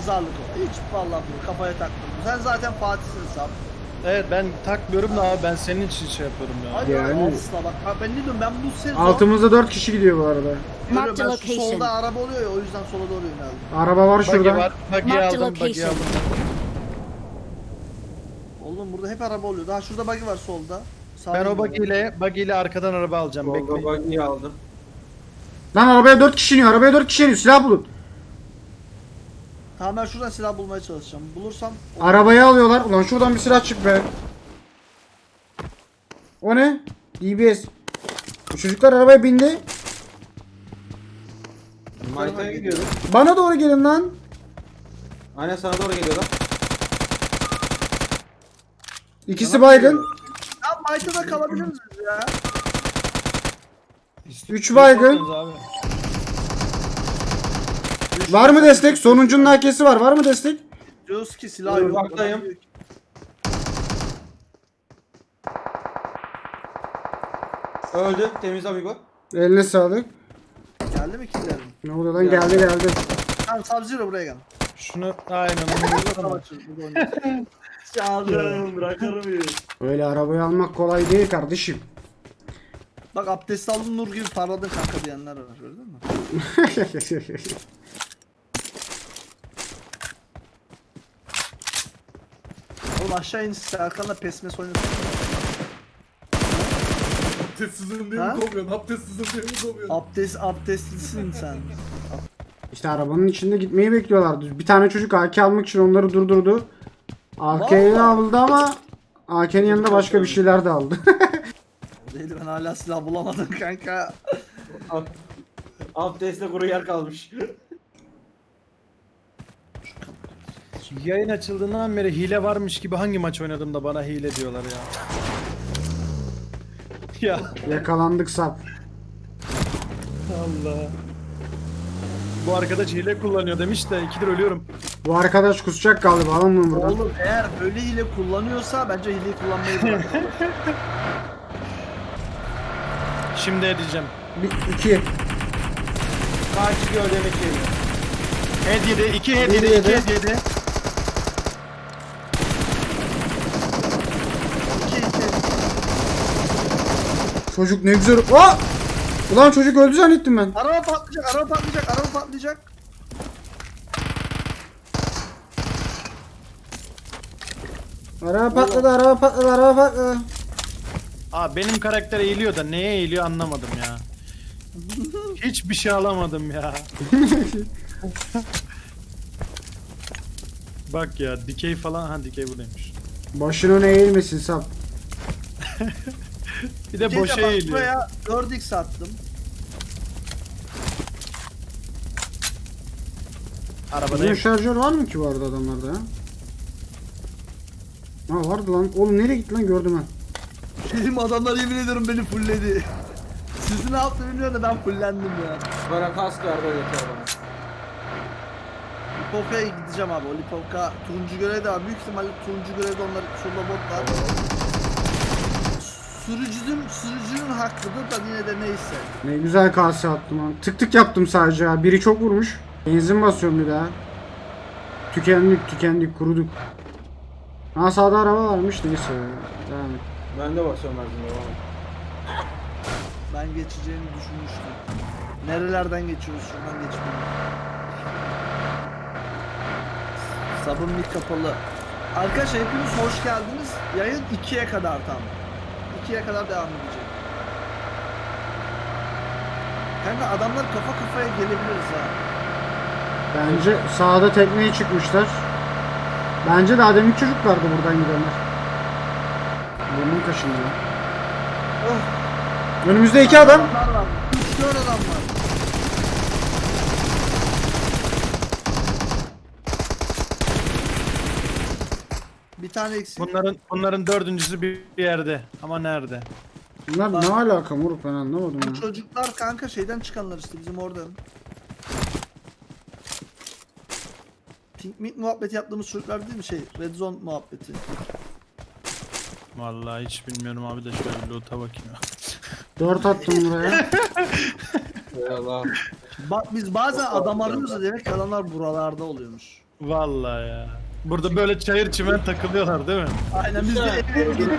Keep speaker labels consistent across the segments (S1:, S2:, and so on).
S1: pazarlık o. Hiç vallahi bu kafaya takma. Sen zaten Fatih'sin Sap.
S2: Evet ben takmıyorum da abi ben senin için şey yapıyorum ya.
S1: Hadi
S3: Yani-
S1: asla bak ben ne diyorum ben bu sezon
S3: Altımızda 4 kişi gidiyor bu arada.
S1: görüyorum,
S4: Marked a
S1: ben şu
S4: location.
S1: solda araba oluyor ya o yüzden sola doğru yöneldim.
S3: Araba var
S2: Buggy
S3: şurada.
S2: var. Buggy
S4: Marked
S2: aldım. Buggy
S4: location.
S2: aldım.
S1: Oğlum burada hep araba oluyor. Daha şurada buggy var solda. Sağ
S2: Ben o
S1: yönde.
S2: buggy ile arkadan araba alacağım.
S5: Volga
S2: Bekleyin.
S5: buggy'yi aldım.
S3: Lan arabaya 4 kişi iniyor. Arabaya 4 kişi iniyor. Silah bulun.
S1: Tamam ben şuradan silah bulmaya çalışacağım. Bulursam
S3: Arabayı alıyorlar. Ulan şuradan bir silah çık be. O ne? DBS. Bu çocuklar arabaya bindi.
S5: Mayta'ya gidiyorum.
S3: Bana doğru gelin lan.
S5: Aynen sana doğru geliyorlar.
S3: İkisi baygın.
S1: ya Mayta'da kalabilir miyiz ya?
S3: 3 baygın.
S2: Abi.
S3: Var mı destek? Sonuncunun AK'si var. Var mı destek?
S1: Diyoruz ki silah yok.
S5: Uzaktayım. Öldü. Temiz amigo.
S3: Eline sağlık.
S1: Geldi mi killerim?
S3: Ne oluyor lan? Geldi geldi.
S1: Tamam Sub-Zero buraya gel.
S2: Şunu aynen onu
S1: Tamam burada oynayalım. Çağırdım bırakır mıyım?
S3: Öyle arabayı almak kolay değil kardeşim.
S1: Bak abdest aldın nur gibi parladın kanka diyenler var gördün mü? Oğlum aşağı in Serkan'la pesmes oynasın.
S6: Abdestsizim diye
S1: Ha?
S6: mi kovuyorsun? Abdestsizim diye mi kovuyorsun?
S1: Abdestlisin sen.
S3: İşte arabanın içinde gitmeyi bekliyorlardı. Bir tane çocuk AK almak için onları durdurdu. AK'yi
S1: Vallahi.
S3: aldı ama AK'nin yanında başka bir şeyler de aldı.
S1: O değil ben hala silah bulamadım kanka.
S5: Abdestle kuru yer kalmış.
S2: Yayın açıldığından beri hile varmış gibi hangi maç oynadım da bana hile diyorlar ya. Ya
S3: Yakalandık sap.
S2: Allah. Bu arkadaş hile kullanıyor demiş de 2'dir ölüyorum.
S3: Bu arkadaş kusacak galiba. Alın bunu buradan.
S1: Oğlum eğer böyle hile kullanıyorsa bence hileyi kullanmayı bırak.
S2: Şimdi edeceğim.
S3: 2.
S5: Karşı gövdeme geliyor.
S2: Head yedi, 2 head
S3: Bir
S2: yedi,
S3: yedi.
S2: 2 head yedi.
S1: 2-2.
S3: Çocuk ne güzel. Aa! Ulan çocuk öldü zannettim ben.
S1: Araba patlayacak, araba patlayacak, araba patlayacak.
S3: Araba patladı, araba patladı, araba patladı.
S2: Aa benim karakter eğiliyor da neye eğiliyor anlamadım ya. Hiçbir şey alamadım ya. Bak ya dikey falan ha dikey buradaymış.
S3: Başına ne eğilmesin sap.
S2: Bir de
S1: Gece
S2: boşa
S1: bak,
S2: eğiliyor.
S1: buraya 4x attım.
S3: Uzun
S2: Arabadayım.
S3: şarjör var mı ki bu arada adamlarda ya? Ha vardı lan. Oğlum nereye gitti lan gördüm ben.
S1: Benim adamlar yemin ediyorum beni fullledi. Sizi ne yaptı bilmiyorum da ben fullendim ya.
S5: Bana kask verdi öyle bana.
S1: Lipovka'ya gideceğim abi. O Lipovka turuncu görev de var. Büyük ihtimalle turuncu görevde onlar şurada bot var. Sürücünün hakkıdır da yine de neyse.
S3: Ne güzel kase attım lan. Tık tık yaptım sadece ha. Biri çok vurmuş. Benzin basıyorum bir daha. Tükendik kuruduk. Ha sağda araba varmış neyse. Devam et.
S5: Ben de basıyorum her zaman.
S1: Ben geçeceğini düşünmüştüm. Nerelerden geçiyoruz şuradan geçmiyor. Sabun mik kapalı. Arkadaşlar hepiniz hoş geldiniz. Yayın 2'ye kadar tam. 2'ye kadar devam edecek. Kanka adamlar kafa kafaya gelebiliriz ha.
S3: Bence sağda tekneye çıkmışlar. Bence daha demin çocuklardı buradan gidenler. Burnum kaşındı. Önümüzde 2 adam.
S1: Adamlar var. 3-4 adam var. Bir tane eksik.
S2: Bunların dördüncüsü bir yerde. Ama nerede?
S3: Bunlar ne alaka moruk ben anlamadım
S1: Bu
S3: ya.
S1: çocuklar kanka şeyden çıkanlar işte bizim oradan. Pink Meat muhabbeti yaptığımız çocuklar değil mi şey? Red Zone muhabbeti.
S2: Vallahi hiç bilmiyorum abi de şöyle bir loot'a bakayım ya.
S3: 4 attım buraya.
S5: Allah.
S1: Bak biz bazen adam arıyoruz da demek ki adamlar buralarda oluyormuş.
S2: Vallahi ya. Burada böyle çayır çimen takılıyorlar değil mi?
S1: Aynen biz de eve gidip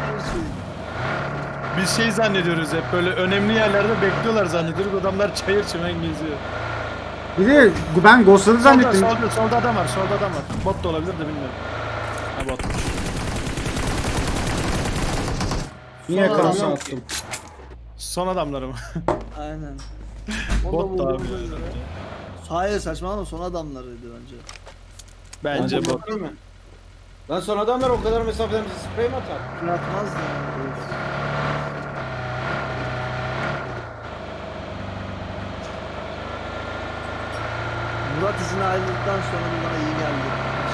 S2: Biz şey zannediyoruz hep böyle önemli yerlerde bekliyorlar zannediyoruz. Adamlar çayır çimen geziyor.
S3: Bir de ben Ghost'ları zannettim.
S2: Solda adam var, solda adam var. Bot da olabilir de bilmiyorum. Ha botmuş.
S3: Niye
S1: Sonra
S3: kansa
S1: adam-
S3: attım?
S2: Son adamları mı?
S1: Aynen.
S2: Bot da abi.
S1: Hayır saçmalama son adamlarıydı bence.
S2: Bence
S5: Bence
S2: bot.
S5: değil mi? Lan son adamlar o kadar mesafeden bizi sprey mi atar?
S1: Bırakmazdı yani. Murat izin ayrıldıktan sonra bu bana iyi geldi.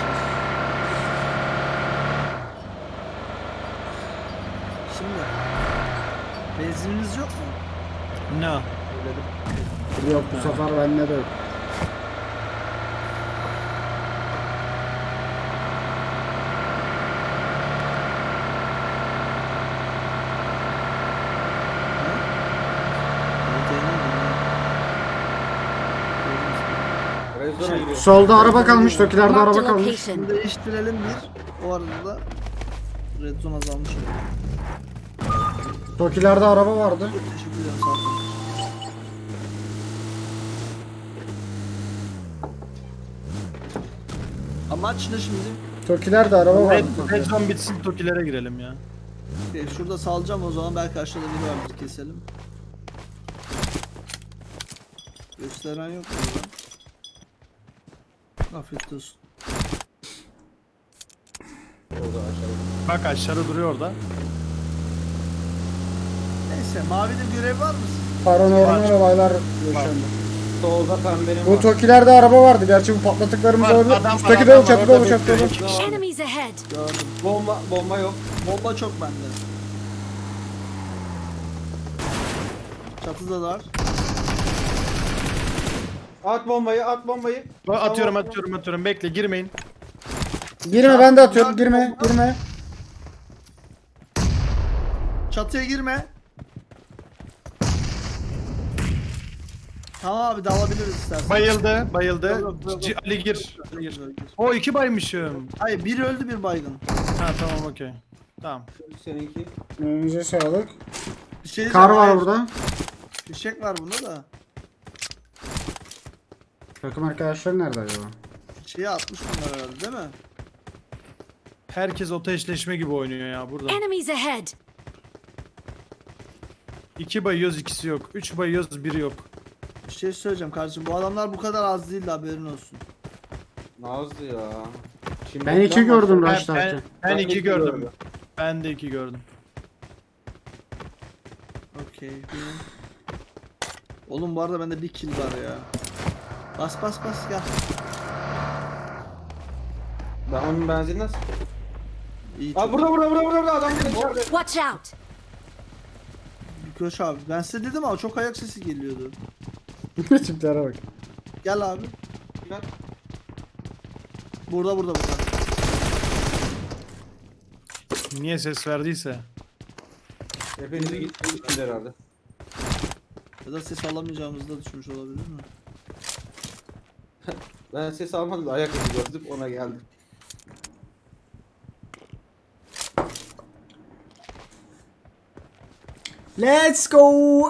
S1: Şimdi benzininiz yok mu?
S2: No.
S3: Yok bu sefer bende de yok.
S5: Rezona giriyor.
S3: Solda araba kalmış, Tokilerde
S4: Marked
S3: araba
S4: a
S3: kalmış.
S4: location.
S1: Bunu değiştirelim bir. O arada da red zone azalmış olur.
S3: Tokilerde araba vardı.
S1: Teşekkür ederim sağ olun. Amaç ne şimdi?
S3: Tokilerde araba vardı.
S2: Red zone bitsin Tokilere girelim ya.
S1: Şurada salacağım o zaman belki aşağıda biri vardır keselim. Gösteren yok mu burada? Afiyet olsun.
S5: Orada aşağıda.
S2: Bak aşağıda duruyor orada.
S1: Neyse mavide görev var mı?
S3: Paranormal olaylar yaşandı.
S5: Solda pembenin
S3: Bu
S5: var.
S3: Tokilerde araba vardı. Gerçi bu patlattıklarımız
S2: Var,
S3: olabilir.
S2: adam var,
S3: Üstteki
S2: adam
S3: de
S2: var,
S3: çatıda
S2: orada
S3: bu çatıda.
S2: bekliyor.
S4: Enemies ahead.
S1: Gördüm.
S5: Bomba yok.
S1: Bomba çok bende. Çatıda da var.
S5: At bombayı, at bombayı.
S2: Bak, atıyorum. Bekle girmeyin.
S3: Girme ben de atıyorum. Girme.
S1: Çatıya girme. Tamam abi dalabiliriz istersen.
S2: Bayıldı.
S1: Yok.
S2: Ali gir.
S1: Gir.
S2: O 2 baymışım.
S1: Hayır bir öldü bir baygın.
S2: Ha tamam okey. Tamam.
S5: Seninki.
S3: Önce sağlık.
S1: Bir şey
S3: Kar
S1: diyeceğim,
S3: var
S1: hayır.
S3: burada.
S1: Fişek var bunda da.
S3: Takım arkadaşlar nerede acaba?
S1: Şeyi atmış bunlar herhalde değil mi?
S2: Herkes oto eşleşme gibi oynuyor ya burada.
S4: Enemies ahead.
S2: 2 bayıyoruz ikisi yok. 3 bayıyoruz biri yok.
S1: Bir şey söyleyeceğim kardeşim bu adamlar bu kadar az değil de haberin olsun.
S5: Nazlı ya. Şimdi
S3: Ben 2 gördüm
S2: Ben,
S3: Rush'tarken.
S2: ben
S5: Ben
S2: 2
S5: iki
S2: gördüm.
S5: gördüm.
S2: Ben de 2 gördüm.
S1: Okey. Oğlum bu arada bende bir kill var ya. Bas gel.
S5: Ben onun benzinini nasıl?
S1: İyi
S5: Aa
S1: çok.
S5: burada adam içeride.
S4: Watch out.
S1: Bir koş abi. Ben size dedim ama çok ayak sesi geliyordu.
S3: Tiplere bak.
S1: Gel abi.
S5: Gel.
S1: Burada.
S2: Niye ses verdiyse.
S5: Hepinizi gittiniz herhalde.
S1: Ya da ses alamayacağımızı da düşünmüş olabilir mi?
S5: Ben ses almadım da ayak izi gördüm ona geldim.
S3: Let's go.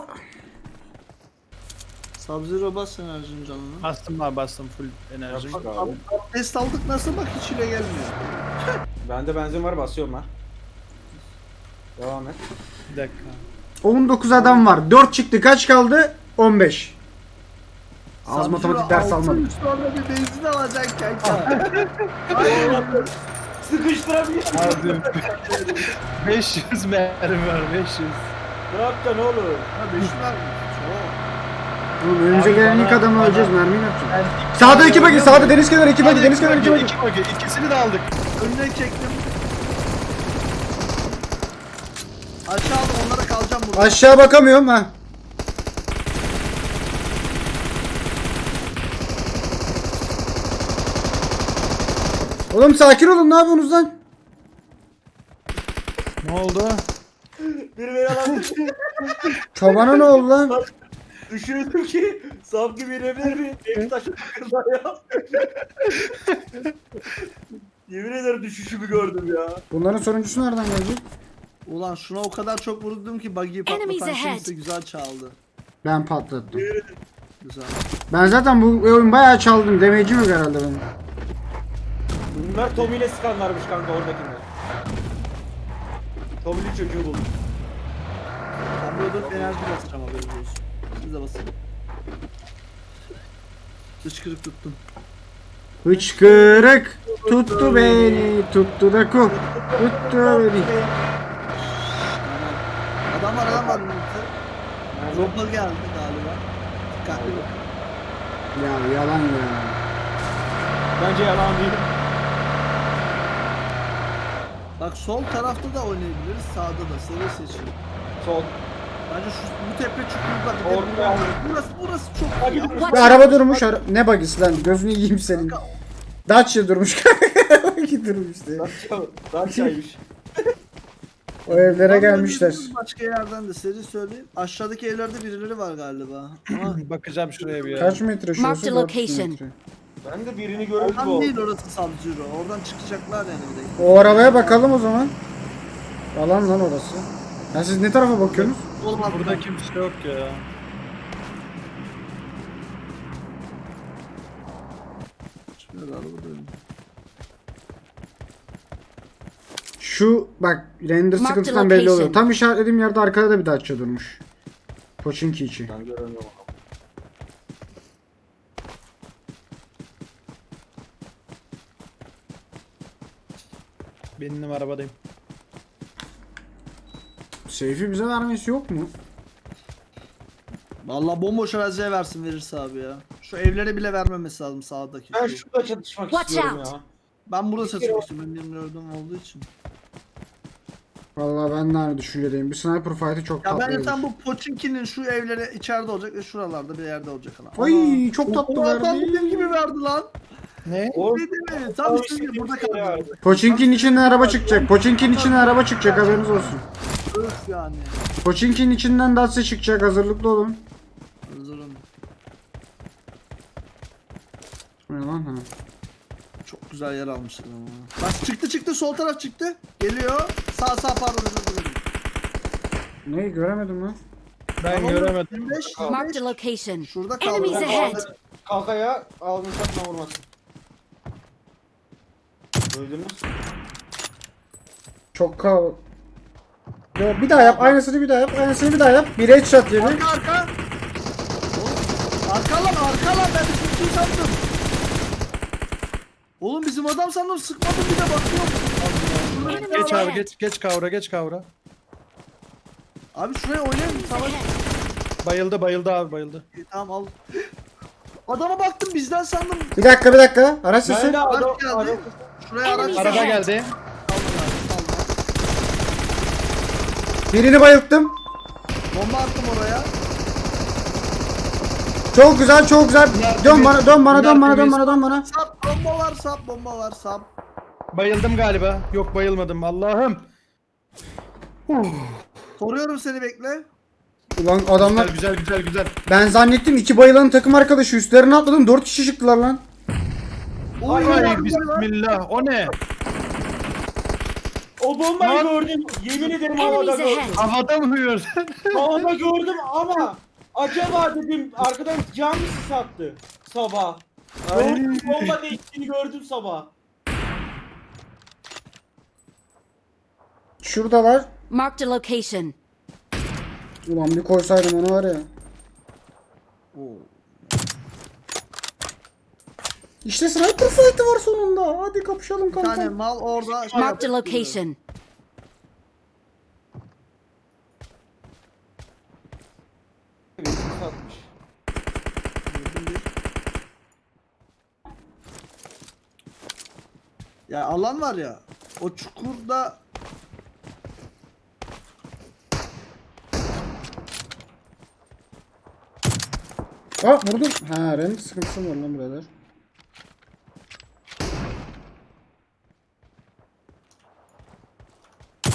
S1: Sub-Zero bas enerjinin canını.
S2: Bastım full enerji.
S5: Bak abi.
S1: Test aldık nasıl bak hiç ile gelmiyor.
S5: Bende benzin var basıyorum ben. Devam et.
S2: Bir dakika.
S3: 19 adam var. 4 çıktı. Kaç kaldı? 15. Az
S1: Sub-Zero
S3: matematik ders
S1: altı
S3: almadım.
S1: üç sonra bir benzin alacak kanka.
S5: Sıkıştırabiliyor.
S2: Abi 500 mermi var 500.
S5: Ne yapacaksın oğlum?
S1: Ha 5 var mı? Çok.
S3: Oğlum önümüze
S2: Abi
S3: gelen ilk
S2: bana-
S3: adamı
S2: bana-
S3: öleceğiz. Mermiyi ne yapacağız?
S2: Ben
S3: Sağda 2 bagi. Sağda deniz kenarı 2 bagi. Deniz kenarı 2 bagi.
S2: İkisini de aldık.
S1: Önüne çektim. Aşağı aldım onlara kalacağım burada.
S3: Aşağı bakamıyorum ha. Oğlum sakin olun, ne yapıyorsunuz lan?
S2: Ne oldu?
S5: Bir beni alan
S3: Tabana ne oldu lan?
S5: Düşündüm ki sap gibi inebilir miyim? Evi taşı takırlar ya. Yemin ederim düşüşümü gördüm ya.
S3: Bunların sonuncusu nereden gelecek?
S1: Ulan şuna o kadar çok vurdum ki buggy'i
S4: Enemies
S1: patlatan
S4: ahead.
S1: kimse güzel çaldı.
S3: Ben patlattım.
S1: Güzel.
S3: Ben zaten bu oyun bayağı çaldım. Damage'im yok herhalde benim.
S5: Bunlar Tommy ile sıkanlarmış kanka oradakiler. Tommy'li çocuğu buldum.
S1: Ben böyle dört enerji basacağım haberiniz olsun. Siz de basın. Hıçkırık tuttum.
S3: Hıçkırık tuttu beni, tuttu da ku. Tuttu beni.
S1: Adam var. Dropper geldi galiba. Dikkatli bak.
S3: Ya yalan ya.
S5: Bence yalan değil.
S1: Bak sol tarafta da oynayabiliriz. Sağda da. Seri seçin.
S5: Sol.
S1: Bence şu bu tepe çukurda bir de
S5: Orada.
S1: burası çok
S5: Bak
S1: iyi.
S5: gidin.
S3: Bir araba durmuş. Ne bagisi lan? Gözünü yiyeyim senin. Dacia durmuş. Bagi durmuş diye.
S5: Dacia'ymış.
S3: O evlere
S1: Vallahi
S3: gelmişler.
S1: bizim Başka yerden de seri söyleyeyim. Aşağıdaki evlerde birileri var galiba. Ama
S2: Bakacağım şuraya bir ya.
S3: Kaç metre şurası?
S4: Marked
S3: 400
S4: location.
S3: metre.
S5: Ben de birini görüp bu
S1: oradan
S5: oldu.
S1: değil orası Savcıro. Oradan çıkacaklar yani bir de.
S3: O arabaya bakalım o zaman. Alan lan orası. Ya siz ne tarafa bakıyorsunuz?
S1: Olmaz
S2: Burada kimse yok ya.
S1: Şöyle araba dönüyor.
S3: Şu bak render
S4: Mark the
S3: sıkıntısından belli oluyor.
S4: location.
S3: Tam işaretlediğim yerde arkada da bir Dacia durmuş. Pochinki içi.
S5: Ben göremiyorum.
S2: Benim arabadayım.
S3: Seyfi bize vermesi yok mu?
S1: Vallahi bomboş araziye versin verirse abi ya. Şu evlere bile vermemesi lazım sağdaki.
S5: Ben
S1: şu.
S5: şurada çatışmak
S4: Watch
S5: istiyorum
S4: out.
S5: ya.
S1: Ben burada satmak istiyorum. Benim gördüğüm olduğu için.
S3: Vallahi ben de aynı düşüncedeyim. Bir sniper fight'ı çok
S1: Ya
S3: tatlı
S1: ben
S3: olur.
S1: tam bu Pochinki'nin şu evlere içeride olacak ve şuralarda bir yerde olacak lan.
S3: Ay çok tatlı
S1: O adam
S3: verdi.
S1: benim gibi verdi lan.
S2: Ne?
S5: O
S1: Ne değil mi? Tam üstünde burada kaldı.
S3: Pochinki'nin içinden araba çıkacak. Pochinki'nin içinden araba çıkacak haberiniz olsun.
S1: Öf yani.
S3: Pochinki'nin içinden Dacia çıkacak hazırlıklı olun.
S1: Hazırım.
S3: Ne lan ha?
S1: Çok güzel yer almışlar ama. Bak çıktı sol taraf çıktı. Geliyor. Sağ pardon özür dilerim.
S3: Neyi göremedim lan.
S2: Ben
S1: Tamam,
S2: göremedim.
S1: 25.
S4: Marked a location.
S1: Şurada kaldı.
S4: Enemies ahead.
S5: Kalkaya almışlar vurmasın. Duydunuz?
S3: Çok kav... Yo, bir daha yap. Aynısını bir daha yap. Aynısını bir daha yap. Bir headshot yedi.
S1: Arka. Arka lan ben de sıktım sandım. Oğlum bizim adam sandım sıkmadım bir de bakıyorum.
S2: Geç abi geç kavra.
S1: Abi şuraya oynayalım savaş.
S2: Bayıldı abi bayıldı.
S1: Tamam al. Adama baktım bizden sandım.
S3: Bir dakika. Araç sesi.
S5: Ben de
S1: Araç
S5: adam,
S1: geldi. Şuraya araç
S4: Enemies
S2: Araba
S4: ahead.
S2: geldi.
S3: Birini bayılttım.
S1: Bomba attım oraya.
S3: Çok güzel. Dön bana.
S1: Sap bomba var sap.
S2: Bayıldım galiba. Yok bayılmadım Allah'ım.
S1: Koruyorum seni bekle.
S3: Ulan adamlar
S2: Güzel.
S3: ben zannettim 2 bayılanın takım arkadaşı üstlerine atladım 4 kişi çıktılar lan.
S1: Oy,
S2: Ay bismillah. O ne?
S5: O bombayı
S2: Lan.
S5: gördüm. Yemin ederim havada
S4: Enemies
S5: gördüm.
S4: ahead.
S2: Havada mı uyuyor?
S5: Havada gördüm ama acaba dedim arkadan cam mı sattı sabah. Gördüm bomba değiştiğini gördüm sabah.
S3: Şuradalar.
S4: Marked a location.
S3: Ulan bir koysaydım onu var ya. İşte sniper fight'ı var sonunda. Hadi kapışalım
S1: Bir tane
S3: kanka.
S1: mal orada. şey
S4: Marked a
S1: yapıyor.
S4: location.
S5: Birisi satmış.
S1: Ya alan var ya. O çukurda
S3: Vurdum. Ha renk sıkıntısı var lan birader.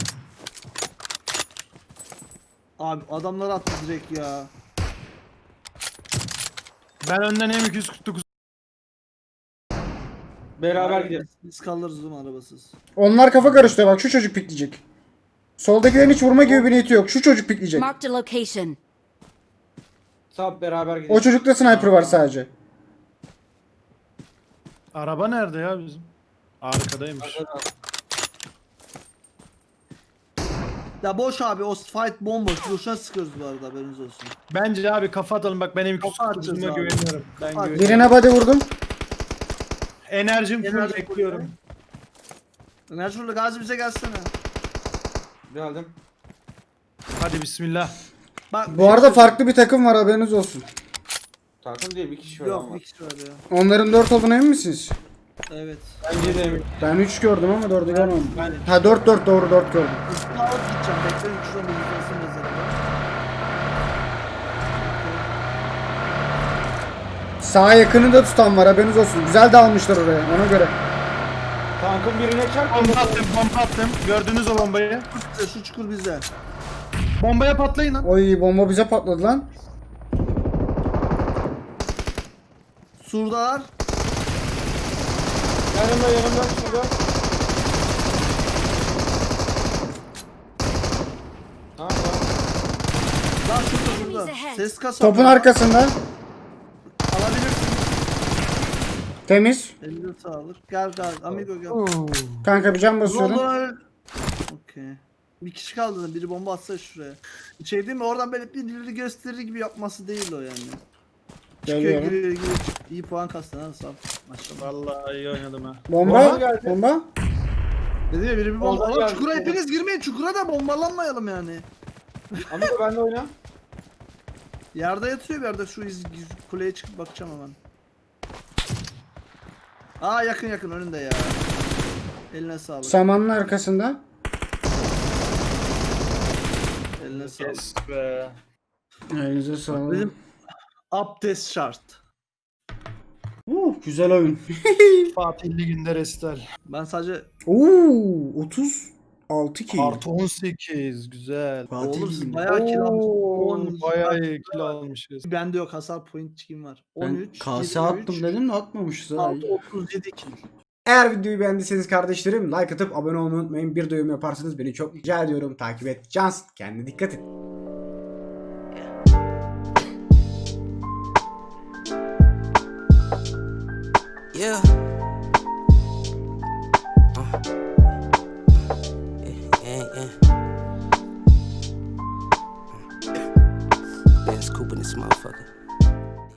S1: abi adamlar attı direkt ya.
S2: Ben önden M249
S5: Beraber gideriz.
S1: Biz kalırız oğlum arabasız.
S3: Onlar kafa karıştırıyor bak şu çocuk pikleyecek. Soldakilerin hiç vurma gibi bir niyeti yok. Şu çocuk pikleyecek.
S4: Marked a location.
S5: Sab beraber
S3: O
S5: gideriz.
S3: çocukta sniper var sadece.
S2: Araba nerede ya bizim? Arkadaymış.
S1: Ya boş abi o fight bomboş. Boşuna sıkıyoruz bu arada haberiniz olsun.
S2: Bence abi kafa atalım bak ben
S1: Kafa atacağız
S2: M249'uma
S1: abi.
S2: güveniyorum. Ben
S1: Kafa
S2: güveniyorum.
S3: Birine body vurdum.
S2: Enerjim full
S1: Enerji
S2: bekliyorum.
S1: Enerjurlu Gazi bize gelsene.
S5: Geldim.
S2: Hadi bismillah.
S1: Bak,
S3: Bu arada farklı bir takım var haberiniz olsun.
S5: Takım değil bir kişi var
S1: Yok
S5: ama.
S1: bir kişi var ya.
S3: Onların 4 olduğuna emin misiniz?
S1: Evet.
S5: Bence de emin.
S3: Ben 3 gördüm ama 4'ü görmedim.
S2: Ben
S3: Ha 4 doğru 4 gördüm.
S1: Üstüne alıp gideceğim. Bekleyin şuradan bir yıkılsın mezarı.
S3: Sağa yakını da tutan var haberiniz olsun. Güzel dalmışlar oraya ona göre.
S5: Tankın birine çarp.
S2: bomba attım. Gördünüz o bombayı.
S1: Şu çukur bizde.
S2: Bombaya patlayın lan.
S3: Oy bomba bize patladı lan.
S1: Surdalar.
S5: Yanımda şurada. Tamam.
S1: Lan şurada.
S4: Enemies ahead.
S1: Ses kasa.
S3: Topun arkasında.
S1: Alabilirsin.
S3: Temiz.
S1: Eline sağlık. Gel amigo gel.
S3: Kanka bir can basıyorum.
S1: Ulan. Okey. Bir kişi kaldı. Biri bomba atsa şuraya. Şey değil mi? Oradan böyle birileri gösterir gibi yapması değil o yani. Çıkıyor
S3: Geliyorum.
S1: giriyor. İyi puan kastın ha sağ ol. Maşallah.
S2: Vallahi iyi oynadım ha.
S3: Bomba.
S5: Bomba geldi.
S3: Bomba.
S1: Dedim ya biri bir bomba.
S5: Oradan
S1: Oğlum
S5: geldi.
S1: çukura hepiniz girmeyin. Çukura da bombalanmayalım yani.
S5: Amigo benle oyna.
S1: Yerde yatıyor bir yerde. Şu kuleye çıkıp bakacağım hemen. Aa yakın önünde ya. Eline sağlık.
S3: Samanın arkasında.
S1: Eline sağlık.
S2: Yes be.
S3: Elinize sağlık.
S1: Benim abdest şart.
S3: Güzel oyun.
S2: Fatih Ligi'nde restal.
S1: Ben sadece
S3: 36 ki.
S2: Artı 18 güzel.
S1: olur siz bayağı kill almışsınız.
S2: Bayağı iyi kill almışız.
S1: Bende yok hasar point kim var? 13,
S3: Kase
S1: 23,
S3: attım dedim de atmamışız ha.
S1: 6, 37 kill.
S3: Eğer videoyu beğendiyseniz kardeşlerim like atıp abone olmayı unutmayın. Bir de yorum yaparsanız beni çok rica ediyorum. Takip et. Cans. Kendine dikkat et.
S7: Yeah. Yeah. Benz Coupe in this motherfucker.